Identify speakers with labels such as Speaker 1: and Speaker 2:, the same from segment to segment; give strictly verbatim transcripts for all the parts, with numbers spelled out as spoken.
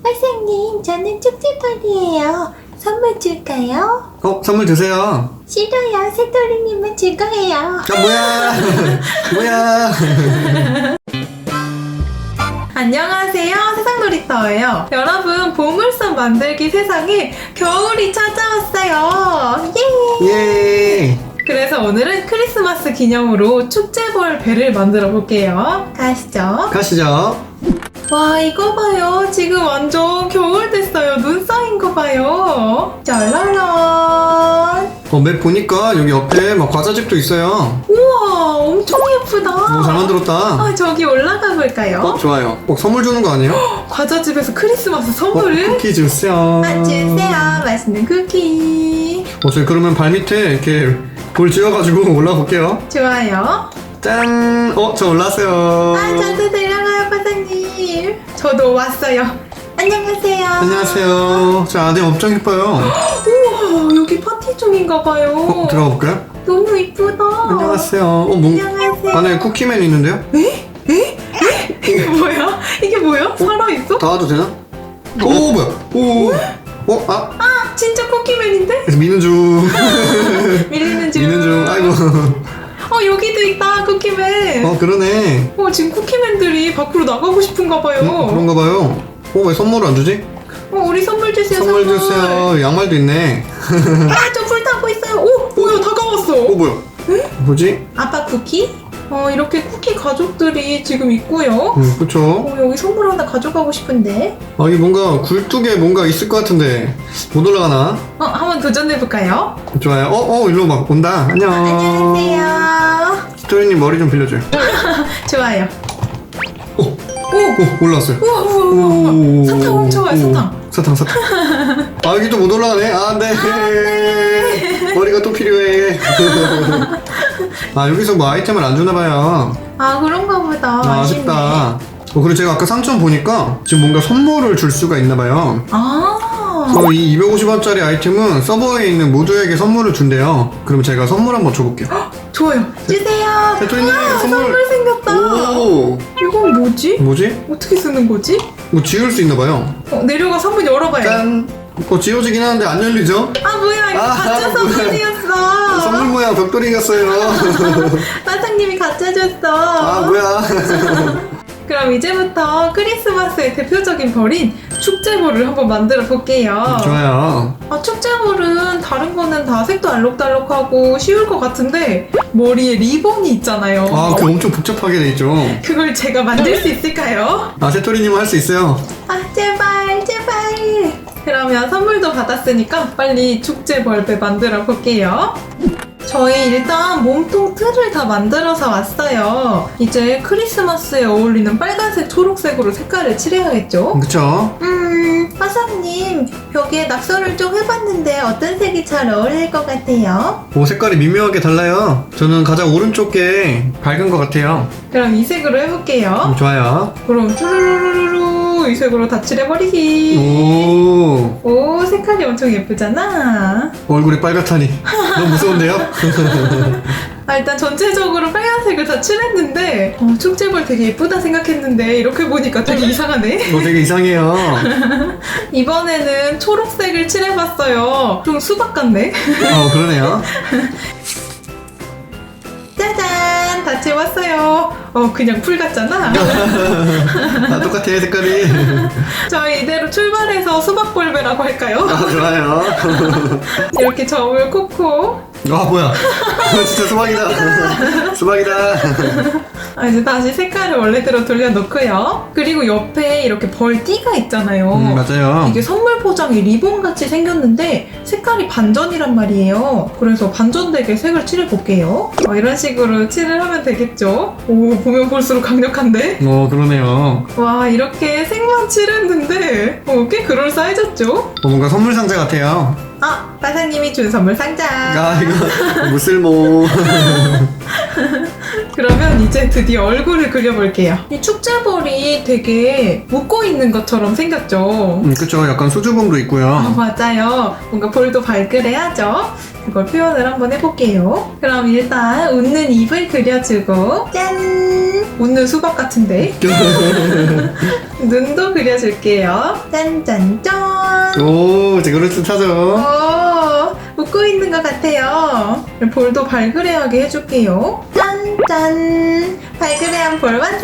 Speaker 1: 선생님, 저는 축제벌이에요. 선물 줄까요?
Speaker 2: 어, 선물 주세요.
Speaker 1: 싫어요. 새돌이님은 줄 거예요.
Speaker 2: 아, 뭐야. 뭐야.
Speaker 1: 안녕하세요. 세상놀이터예요. 여러분, 보물섬 만들기 세상에 겨울이 찾아왔어요. 예!
Speaker 2: 예.
Speaker 1: 그래서 오늘은 크리스마스 기념으로 축제벌 배를 만들어 볼게요. 가시죠.
Speaker 2: 가시죠.
Speaker 1: 와, 이거 봐요. 지금 완전 겨울 됐어요. 눈 쌓인 거 봐요. 짜라란.
Speaker 2: 어, 맵 보니까 여기 옆에 막 과자집도 있어요.
Speaker 1: 우와, 엄청 예쁘다.
Speaker 2: 오, 잘 만들었다.
Speaker 1: 아, 저기 올라가 볼까요?
Speaker 2: 어, 좋아요. 꼭 선물 주는 거 아니에요?
Speaker 1: 과자집에서 크리스마스
Speaker 2: 어,
Speaker 1: 선물을?
Speaker 2: 쿠키 주세요.
Speaker 1: 아, 주세요. 맛있는 쿠키.
Speaker 2: 어, 저희 그러면 발 밑에 이렇게 돌 지어가지고 올라가 볼게요.
Speaker 1: 좋아요.
Speaker 2: 짠! 어, 저 올라왔어요.
Speaker 1: 아, 저도 데려가요, 과장님. 저도 왔어요. 안녕하세요.
Speaker 2: 안녕하세요. 저 안에 엄청 예뻐요.
Speaker 1: 우와, 여기 파티 중인가 봐요.
Speaker 2: 어, 들어가 볼까요?
Speaker 1: 너무 이쁘다.
Speaker 2: 안녕하세요. 어, 뭐,
Speaker 1: 안녕하세요.
Speaker 2: 안에 쿠키맨 있는데요?
Speaker 1: 에? 에? 에? 이게 뭐야? 이게 뭐야? 살아있어?
Speaker 2: 닿아도 되나? 오, 뭐야? 오. 어, 아,
Speaker 1: 아, 진짜 쿠키맨인데?
Speaker 2: 그래서 미는 중.
Speaker 1: 밀리는 중.
Speaker 2: 미는 중. 아이고.
Speaker 1: 어, 여기도 있다, 쿠키맨.
Speaker 2: 어, 그러네.
Speaker 1: 어, 지금 쿠키맨들이 밖으로 나가고 싶은가 봐요.
Speaker 2: 음, 그런가 봐요. 어, 왜 선물을 안 주지?
Speaker 1: 어, 우리 선물 주세요,
Speaker 2: 선물 주세요. 양말도 있네.
Speaker 1: 아, 저 불 타고 있어요. 오, 뭐야, 다가왔어.
Speaker 2: 어, 뭐야? 뭐지?
Speaker 1: 아빠 쿠키? 어, 이렇게 쿠키 가족들이 지금 있고요.
Speaker 2: 음, 그쵸.
Speaker 1: 어, 여기 선물 하나 가져가고 싶은데.
Speaker 2: 아, 이게 뭔가 굴뚝에 뭔가 있을 것 같은데 못 올라가나?
Speaker 1: 어, 한번 도전해볼까요?
Speaker 2: 좋아요. 어, 어, 일로 막 온다. 안녕.
Speaker 1: 안녕하세요.
Speaker 2: 스토리님 머리 좀 빌려줘요.
Speaker 1: 좋아요.
Speaker 2: 오,
Speaker 1: 오!
Speaker 2: 오, 올라왔어요.
Speaker 1: 우와, 우와, 우와, 우와.
Speaker 2: 오,
Speaker 1: 사탕 훔쳐와요,
Speaker 2: 오,
Speaker 1: 사탕.
Speaker 2: 사탕, 사탕. 아, 여기 또 못 올라가네. 아, 네. 머리가 또 필요해. 아, 여기서 뭐 아이템을 안 주나봐요.
Speaker 1: 아, 그런가 보다.
Speaker 2: 아,
Speaker 1: 아쉽네.
Speaker 2: 아쉽다. 어, 그리고 제가 아까 상점 보니까 지금 뭔가 선물을 줄 수가 있나봐요.
Speaker 1: 아.
Speaker 2: 그래서 이 이백오십 원짜리 아이템은 서버에 있는 모두에게 선물을 준대요. 그럼 제가 선물 한번 줘볼게요.
Speaker 1: 좋아요. 주세요.
Speaker 2: 대토리님,
Speaker 1: 우와,
Speaker 2: 선물.
Speaker 1: 선물 생겼다.
Speaker 2: 오,
Speaker 1: 이건 뭐지?
Speaker 2: 뭐지?
Speaker 1: 어떻게 쓰는 거지?
Speaker 2: 뭐 지울 수 있나봐요.
Speaker 1: 어, 내려가서 한번 열어봐요.
Speaker 2: 짠. 어, 지워지긴 하는데 안 열리죠?
Speaker 1: 아, 뭐야, 이거
Speaker 2: 아,
Speaker 1: 가짜
Speaker 2: 뭐야.
Speaker 1: 선물이었어.
Speaker 2: 선물 모양 벽돌이겠어요.
Speaker 1: 사장님이 가짜 줬어.
Speaker 2: 아, 뭐야.
Speaker 1: 그럼 이제부터 크리스마스의 대표적인 벌인 축제볼을 한번 만들어 볼게요.
Speaker 2: 좋아요.
Speaker 1: 아, 축제볼은 다른 거는 다 색도 알록달록하고 쉬울 것 같은데 머리에 리본이 있잖아요.
Speaker 2: 아, 그 엄청 복잡하게 돼 있죠.
Speaker 1: 그걸 제가 만들 수 있을까요?
Speaker 2: 아, 새토리님은 할 수 있어요.
Speaker 1: 아, 제발 제발. 그러면 선물도 받았으니까 빨리 축제벌배 만들어 볼게요. 저희 일단 몸통 틀을 다 만들어서 왔어요. 이제 크리스마스에 어울리는 빨간색, 초록색으로 색깔을 칠해야겠죠?
Speaker 2: 그쵸?
Speaker 1: 음, 화사님, 벽에 낙서를 좀 해봤는데 어떤 색이 잘 어울릴 것 같아요?
Speaker 2: 오, 색깔이 미묘하게 달라요. 저는 가장 오른쪽 게 밝은 것 같아요.
Speaker 1: 그럼 이 색으로 해볼게요.
Speaker 2: 음, 좋아요.
Speaker 1: 그럼 쭈루루루루 이 색으로 다 칠해버리기.
Speaker 2: 오,
Speaker 1: 오, 색깔이 엄청 예쁘잖아.
Speaker 2: 얼굴이 빨갛다니. 너무 무서운데요?
Speaker 1: 아, 일단 전체적으로 빨간색을 다 칠했는데 어, 축제볼 되게 예쁘다 생각했는데 이렇게 보니까 되게 이상하네.
Speaker 2: 이거 되게 이상해요.
Speaker 1: 이번에는 초록색을 칠해봤어요. 좀 수박 같네.
Speaker 2: 어, 그러네요.
Speaker 1: 짜잔! 다 채웠어요. 어, 그냥 풀 같잖아.
Speaker 2: 아, 똑같아, 색깔이.
Speaker 1: 저희 이대로 출발해서 수박볼배라고 할까요?
Speaker 2: 아, 좋아요.
Speaker 1: 이렇게 점을 콕콕.
Speaker 2: 아, 뭐야. 진짜 수박이다. 수박이다.
Speaker 1: 아, 이제 다시 색깔을 원래대로 돌려놓고요. 그리고 옆에 이렇게 벌띠가 있잖아요.
Speaker 2: 음, 맞아요.
Speaker 1: 이게 선물 포장이 리본같이 생겼는데 색깔이 반전이란 말이에요. 그래서 반전되게 색을 칠해볼게요. 어, 이런 식으로 칠을 하면 되겠죠? 오, 보면 볼수록 강력한데?
Speaker 2: 어, 그러네요.
Speaker 1: 와, 이렇게 색만 칠했는데 어, 꽤 그럴싸해졌죠?
Speaker 2: 어, 뭔가 선물 상자 같아요.
Speaker 1: 아, 빠사님이 준 선물 상자.
Speaker 2: 아, 이거 무쓸모.
Speaker 1: 그러면 이제 드디어 얼굴을 그려볼게요. 이 축제볼이 되게 묶어있는 것처럼 생겼죠?
Speaker 2: 음, 그쵸. 약간 수줍음도
Speaker 1: 아,
Speaker 2: 있고요.
Speaker 1: 맞아요. 뭔가 볼도 발그레하죠? 그걸 표현을 한번 해볼게요. 그럼 일단 웃는 입을 그려주고 짠! 웃는 수박 같은데. 눈도 그려줄게요. 짠짠짠.
Speaker 2: 오, 이제 그럴듯하죠.
Speaker 1: 오, 웃고 있는 것 같아요. 볼도 발그레하게 해줄게요. 짠짠. 발그레한 볼 완성.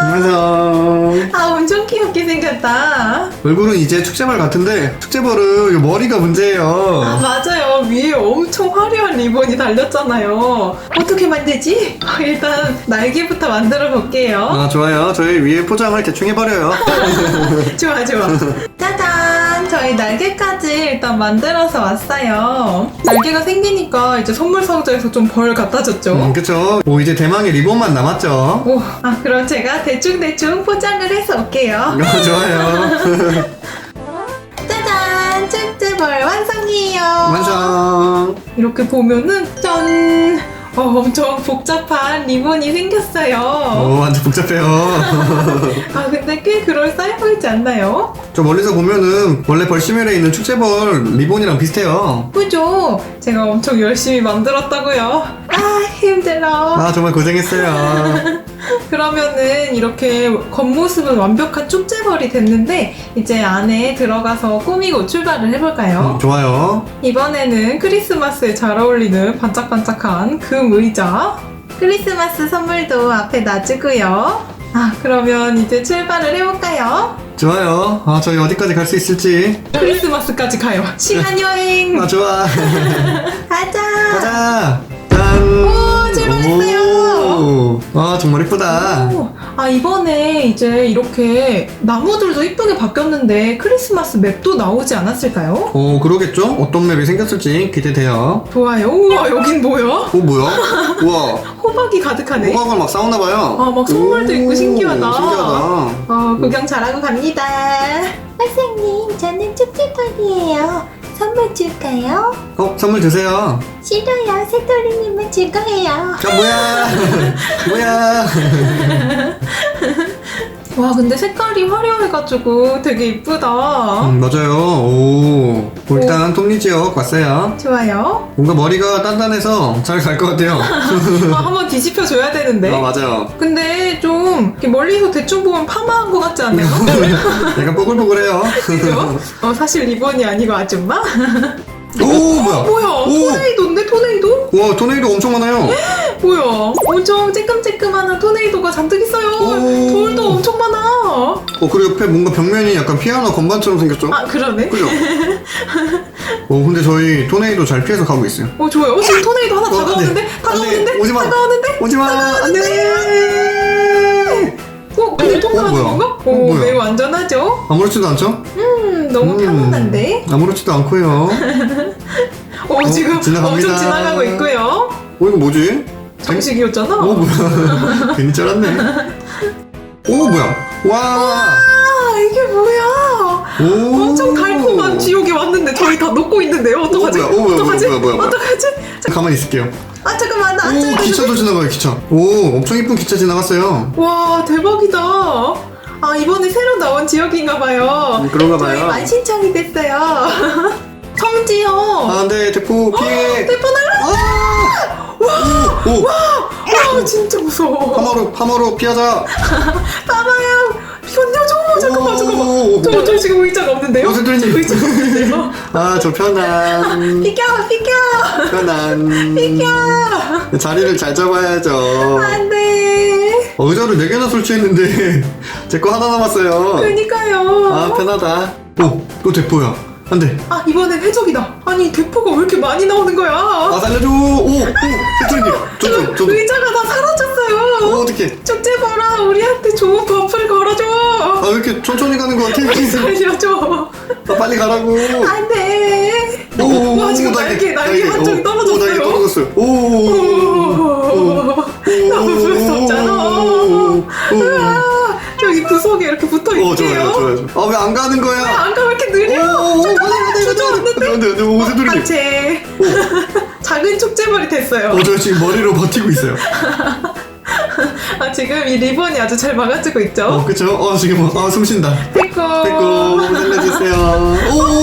Speaker 2: 완성.
Speaker 1: 아, 엄청 귀엽게 생겼다.
Speaker 2: 얼굴은 이제 축제발 같은데 축제벌은 이 머리가 문제예요.
Speaker 1: 아, 맞아요. 위에 엄청 화려한 리본이 달렸잖아요. 어떻게 만들지? 아, 일단 날개부터 만들어 볼게요.
Speaker 2: 아, 좋아요. 저희 위에 포장을 대충 해버려요.
Speaker 1: 좋아, 좋아. 짜잔! 저희 날개까지 일단 만들어서 왔어요. 날개가 생기니까 이제 선물 상자에서 좀 벌 갖다 줬죠.
Speaker 2: 음, 그쵸. 오, 이제 대망의 리본만 남았죠.
Speaker 1: 오, 아, 그럼 제가 대충대충 포장을 해서 올게요.
Speaker 2: 아, 좋아요.
Speaker 1: 짜잔! 축제벌 완성이에요.
Speaker 2: 완성.
Speaker 1: 이렇게 보면은 짠! 어, 엄청 복잡한 리본이 생겼어요.
Speaker 2: 오, 완전 복잡해요.
Speaker 1: 아, 근데 꽤 그럴싸해 보이지 않나요?
Speaker 2: 저 멀리서 보면은 원래 벌시멜에 있는 축제벌 리본이랑 비슷해요.
Speaker 1: 그죠? 제가 엄청 열심히 만들었다고요. 아, 힘들어.
Speaker 2: 아, 정말 고생했어요.
Speaker 1: 그러면은 이렇게 겉모습은 완벽한 축제벌이 됐는데 이제 안에 들어가서 꾸미고 출발을 해볼까요?
Speaker 2: 음, 좋아요.
Speaker 1: 이번에는 크리스마스에 잘 어울리는 반짝반짝한 금 의자, 크리스마스 선물도 앞에 놔주고요. 아, 그러면 이제 출발을 해볼까요?
Speaker 2: 좋아요. 아, 저희 어디까지 갈 수 있을지.
Speaker 1: 크리스마스까지 가요. 시간 여행.
Speaker 2: 아, 좋아.
Speaker 1: 가자.
Speaker 2: 가자. 짠.
Speaker 1: 오, 출발했어요.
Speaker 2: 오. 아, 정말 이쁘다.
Speaker 1: 오, 아, 이번에 이제 이렇게 나무들도 이쁘게 바뀌었는데 크리스마스 맵도 나오지 않았을까요?
Speaker 2: 오, 그러겠죠? 어떤 맵이 생겼을지 기대돼요.
Speaker 1: 좋아요. 우와, 여긴 뭐야?
Speaker 2: 오, 뭐야? 우와.
Speaker 1: 호박이 가득하네.
Speaker 2: 호박을 막 싸우나봐요.
Speaker 1: 아, 막 선물도
Speaker 2: 오,
Speaker 1: 있고 신기하다.
Speaker 2: 신기하다.
Speaker 1: 어, 구경 잘하고 갑니다.
Speaker 3: 선생님, 저는 축제벌이에요. 선물 줄까요?
Speaker 2: 어, 선물 주세요.
Speaker 3: 싫어요. 새돌이님은 줄 거예요.
Speaker 2: 자, 뭐야? 뭐야?
Speaker 1: 와, 근데 색깔이 화려해가지고 되게 이쁘다.
Speaker 2: 음, 맞아요. 오. 오, 일단 톱니지역 왔어요.
Speaker 1: 좋아요.
Speaker 2: 뭔가 머리가 단단해서 잘 갈 것 같아요.
Speaker 1: 아, 한번 뒤집혀 줘야 되는데.
Speaker 2: 아, 맞아요.
Speaker 1: 근데 좀 이렇게 멀리서 대충 보면 파마한 것 같지 않아요?
Speaker 2: 약간 뽀글뽀글해요.
Speaker 1: 그죠? 어, 사실 리본이 아니고 아줌마?
Speaker 2: 오, 뭐야?
Speaker 1: 뭐야?
Speaker 2: 오.
Speaker 1: 토네이도인데 토네이도?
Speaker 2: 와, 토네이도 엄청 많아요.
Speaker 1: 뭐야? 엄청 쬐끔쬐끔한 토네이도가 잔뜩 있어요.
Speaker 2: 오.
Speaker 1: 돌도 엄청 많아.
Speaker 2: 어, 그리고 옆에 뭔가 벽면이 약간 피아노 건반처럼 생겼죠?
Speaker 1: 아, 그러네.
Speaker 2: 그죠? 어, 근데 저희 토네이도 잘 피해서 가고 있어요.
Speaker 1: 어, 좋아요. 어, 지금 토네이도 하나
Speaker 2: 어, 안 돼.
Speaker 1: 다가오는데?
Speaker 2: 안 돼.
Speaker 1: 다가오는데?
Speaker 2: 오지 마.
Speaker 1: 다가오는데?
Speaker 2: 오지 마. 안 돼.
Speaker 1: 어, 근데
Speaker 2: 어,
Speaker 1: 통과하는
Speaker 2: 뭐야?
Speaker 1: 건가?
Speaker 2: 어,
Speaker 1: 오,
Speaker 2: 뭐야?
Speaker 1: 매우 안전하죠?
Speaker 2: 아무렇지도 않죠?
Speaker 1: 음, 너무
Speaker 2: 음,
Speaker 1: 편안한데?
Speaker 2: 아무렇지도 않고요.
Speaker 1: 오,
Speaker 2: 어,
Speaker 1: 지금
Speaker 2: 지나갑니다.
Speaker 1: 엄청 지나가고 있고요.
Speaker 2: 어, 이거 뭐지?
Speaker 1: 장식이었잖아.
Speaker 2: 어, 뭐야? 괜히 쩔었네. 오, 뭐야? 와.
Speaker 1: 아, 이게 뭐야?
Speaker 2: 오.
Speaker 1: 엄청 달콤한 지옥이 왔는데 저희 다 녹고 있는데요. 어떡하지?
Speaker 2: 어, 뭐야? 어, 뭐야?
Speaker 1: 어떡하지?
Speaker 2: 뭐야? 뭐야? 뭐야?
Speaker 1: 어떡하지?
Speaker 2: 가만히 있을게요.
Speaker 1: 아, 잠깐만. 나
Speaker 2: 오,
Speaker 1: 앉아야 되는데.
Speaker 2: 기차도 지나가요, 기차. 오, 엄청 이쁜 기차 지나갔어요.
Speaker 1: 와, 대박이다. 아, 이번에 새로 나온 지역인가 봐요.
Speaker 2: 음, 그런가
Speaker 1: 저희
Speaker 2: 봐요.
Speaker 1: 만신창이 됐어요. 성지요.
Speaker 2: 아, 안 돼. 대포 피해.
Speaker 1: 대포 날라.
Speaker 2: 아! 오, 오.
Speaker 1: 와, 진짜 무서워.
Speaker 2: 파마로, 파마로 피하자.
Speaker 1: 빠바야. 견뎌줘. 잠깐만,
Speaker 2: 오.
Speaker 1: 잠깐만. 저, 저 지금 의자가 없는데요?
Speaker 2: 어, 새들님.
Speaker 1: 저 의자가 없는데요?
Speaker 2: 아, 저 편안.
Speaker 1: 비켜, 비켜.
Speaker 2: 편안.
Speaker 1: 비켜.
Speaker 2: 자리를 잘 잡아야죠.
Speaker 1: 안 돼.
Speaker 2: 어, 의자를 네 개나 설치했는데 제 거 하나 남았어요.
Speaker 1: 그니까요.
Speaker 2: 아, 편하다. 오, 또 대포야. 안 돼.
Speaker 1: 아, 이번엔 해적이다. 아니, 대포가 왜 이렇게 많이 나오는 거야?
Speaker 2: 아, 살려줘. 오, 오, 세트님. 저도, 저도.
Speaker 1: 의자가 다 사라졌어요.
Speaker 2: 어, 어떡해.
Speaker 1: 축제 봐라. 우리한테 좋은 버프를 걸어줘.
Speaker 2: 아, 왜 이렇게 천천히 가는 거 같아?
Speaker 1: 살려줘.
Speaker 2: 아, 빨리 가라고.
Speaker 1: 안 돼.
Speaker 2: 오,
Speaker 1: 와, 지금
Speaker 2: 오,
Speaker 1: 날개, 날개 한쪽이
Speaker 2: 오,
Speaker 1: 떨어졌어요.
Speaker 2: 오, 날개 떨어졌어요. 오,
Speaker 1: 오, 너무 무섭잖아. 으아, 여기 구석에 이렇게 붙어
Speaker 2: 오,
Speaker 1: 있게요.
Speaker 2: 좋아요, 좋아요. 아, 왜 안 가는 거야?
Speaker 1: 안 가면 이렇게 느려.
Speaker 2: 오, 오,
Speaker 1: 잠깐만,
Speaker 2: 안 돼, 안 돼,
Speaker 1: 주저앉는데.
Speaker 2: 안 돼, 안 돼, 오, 새들님.
Speaker 1: 단체. 작은 축제벌이 됐어요.
Speaker 2: 어, 저 지금 머리로 버티고 있어요.
Speaker 1: 아, 지금 이 리본이 아주 잘 막아주고 있죠?
Speaker 2: 어, 그쵸? 어, 지금, 아, 숨 쉰다.
Speaker 1: 됐고.
Speaker 2: 됐고, 살려주세요. 오, 오,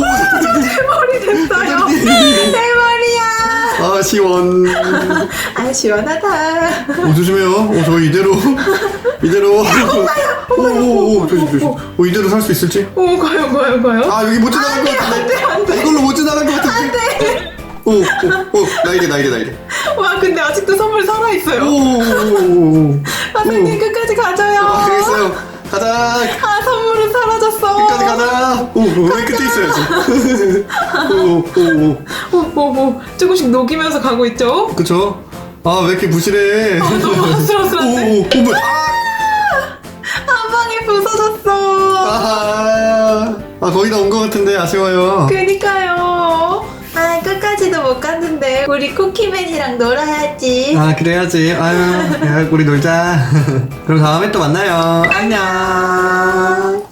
Speaker 2: 오,
Speaker 1: 내 머리 됐어요.
Speaker 2: 새들님.
Speaker 1: 내 머리야.
Speaker 2: 아, 시원.
Speaker 1: 아, 시원하다.
Speaker 2: 오, 조심해요. 오, 저 이대로 이대로. 오오오, 조심 조심. 오, 이대로 살 수 있을지?
Speaker 1: 오, 가요, 가요, 가요.
Speaker 2: 아, 여기 못 지나갈 것
Speaker 1: 안
Speaker 2: 같은데.
Speaker 1: 돼, 안 돼.
Speaker 2: 이걸로 못 지나갈 것 같은데. 오, 오, 오, 날개, 날개, 날개.
Speaker 1: 와, 근데 아직도 선물 살아있어요.
Speaker 2: 오, 오, 오, 오.
Speaker 1: 선생님, 끝까지 가져요.
Speaker 2: 아, 알겠어요. 가자.
Speaker 1: 아, 선물은 사라졌어.
Speaker 2: 끝까지 가자. 오, 오, 여기 끝에 있어야지. 오, 오, 오.
Speaker 1: 오, 오, 오. 조금씩 녹이면서 가고 있죠?
Speaker 2: 그쵸? 아, 왜 이렇게 부실해?
Speaker 1: 아, 너무
Speaker 2: 오,
Speaker 1: 아슬아슬한데?
Speaker 2: 오, 오, 뭐야?
Speaker 1: 한 방에 부서졌어.
Speaker 2: 아, 아, 거의 다 온 것 같은데 아쉬워요.
Speaker 1: 그니까요.
Speaker 3: 아, 끝까지도 못 갔는데 우리 쿠키맨이랑 놀아야지.
Speaker 2: 아, 그래야지. 아유, 야, 우리 놀자. 그럼 다음에 또 만나요. 안녕.